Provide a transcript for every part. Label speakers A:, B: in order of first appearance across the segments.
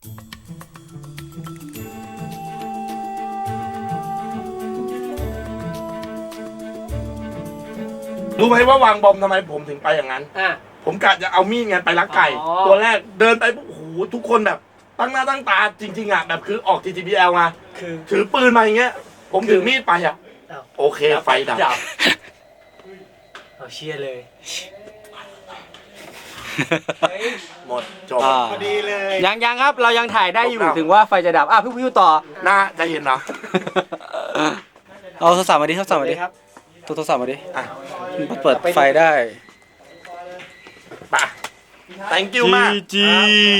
A: รู้ไหมว่าวางบอมทำไมผมถึงไปอย่างนั้นผมกะจะเอามีดไงไปลักไก่ตัวแรกเดินไปโอ้โหทุกคนแบบตั้งหน้าตั้งตาจริงๆอ่ะแบบคือออก TTBL มาถือปืนมาอย่างเงี้ยผมถือมีดไปอ่ะโอเคไฟดับ
B: เอาเชียร์เลย
A: หมดจบ
C: พอดีเลยยังครับเรายังถ่ายได้อยู่ถึงว่าไฟจะดับพี่ต่อ
A: น่าจะเห็นเหรอ
C: เอาโทรศัพท์มาดิโทรศัพท์มาดิครับโทรศัพท์มาดิเปิดไฟได้
A: ป่ะ thank you มาก
C: พี่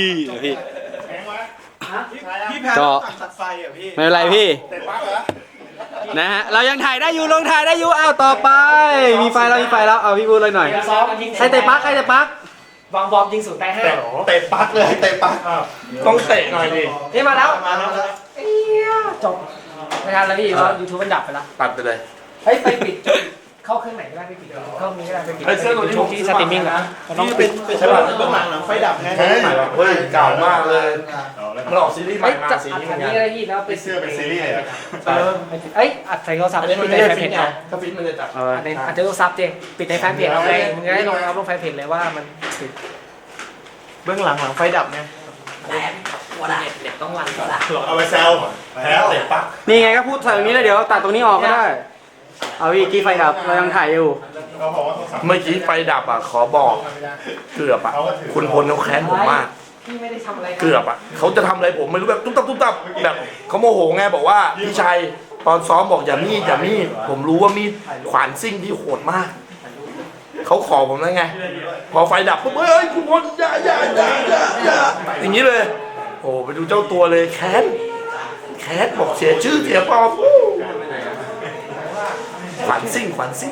B: พี่แพ้ตัดไฟอ่ะพี่
C: ไม่เป็นไรพี่นะฮะเรายังถ่ายได้อยู่ลงถ่ายได้อยู่ต่อไปมีไฟแล้วเอาพี่พูดเลยหน่อยใครเตะปัก
B: วางบอมยิงสูงได้5
A: เตะปักเลยเตะปักต้องเตะหน่อยดิ
B: นี่มาแล้วจบไม่ทันแล้วพี่เพราะ YouTube มันดับไปแล้ว
A: ตัดไปเลย
B: ไปปิดเข้าเครื่องไหนก็ได้ไปปิดเข้านี้ก็ได้ไปปิด
A: เสื้อตัวนี้
B: ที่สตรีมมิ่งนะ
A: นี่เป็นฉบับเบื้องหลังไฟดับไงเฮ้ยเก่ามากเลยมันออกซีรีส์ใหม่มาสีนี้เหมือนกัน
B: นี่ได้ที่แล้วเป็น
A: เสื้อเป็นซีรีส์
B: อัดใส่โทรศัพท์ปิดในแฟนเพจเอา
A: ถ้าฟิตมันจะจับ
B: อัดในโทรศัพท์เจปิดในแฟนเพจเอาไงมึงจะได้ลงแฟนเพจเลยว่ามันปิด
A: เบื้องหลังไฟดับไง
B: เน็ตต้องรันก่อนละ
A: เอาไปแซวแล้วเตะปัก
C: นี่ไงก็พูดใส่ตรงนี้แล้วเดี๋ยวตัดตรงนี้ออกก็ได้เอาพี่กี้ไฟดับเรายังถ่ายอยู่
A: เมื่อกี้ไฟดับขอบอกเกือบคุณพลเขาแค้นผมมากเกือบเขาจะทำอะไรผมไม่รู้แบบตุ๊บตับแบบเขาโมโหไงบอกว่าพี่ชัยตอนซ้อมบอกอย่ามีดผมรู้ว่ามีดขวานซิ่งที่โหดมากเขาขอผมแล้วไงพอไฟดับปุ๊บเฮ้ยคุณพลอย่าอย่างนี้เลยโอ้ไปดูเจ้าตัวเลยแค้นบอกเสียชื่อเสียปอมขวัญซิ่ง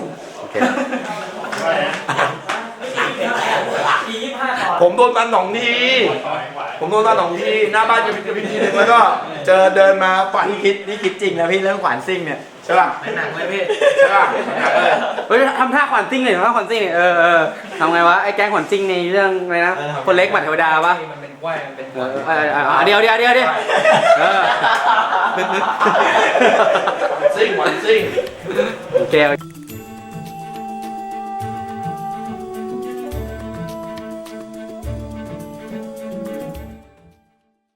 A: ผมโดนตัน2 ทีหน้าบ้านจะพิมพ์ทีนึงแล้วก็เจอเดินมาฝัน
C: นี่คิดจริงนะพี่เรื่องขวานซิ่งเนี่ย
A: ใช่ป่ะ
B: ไม่หนักเลยพี่
A: ใช่ป่ะ
C: เฮ้ยทำท่าขวานซิ่งเลยทำท่าขวานซิ่งเนี่ยทำไงวะไอ้แก๊งขวานซิ่งในเรื่องอะไรนะคนเล็กหมัดเทวดาปะ
B: มันเป็นว่ายมันเป็น
C: เดี๋ยว
A: ซิ่ง
C: โอเค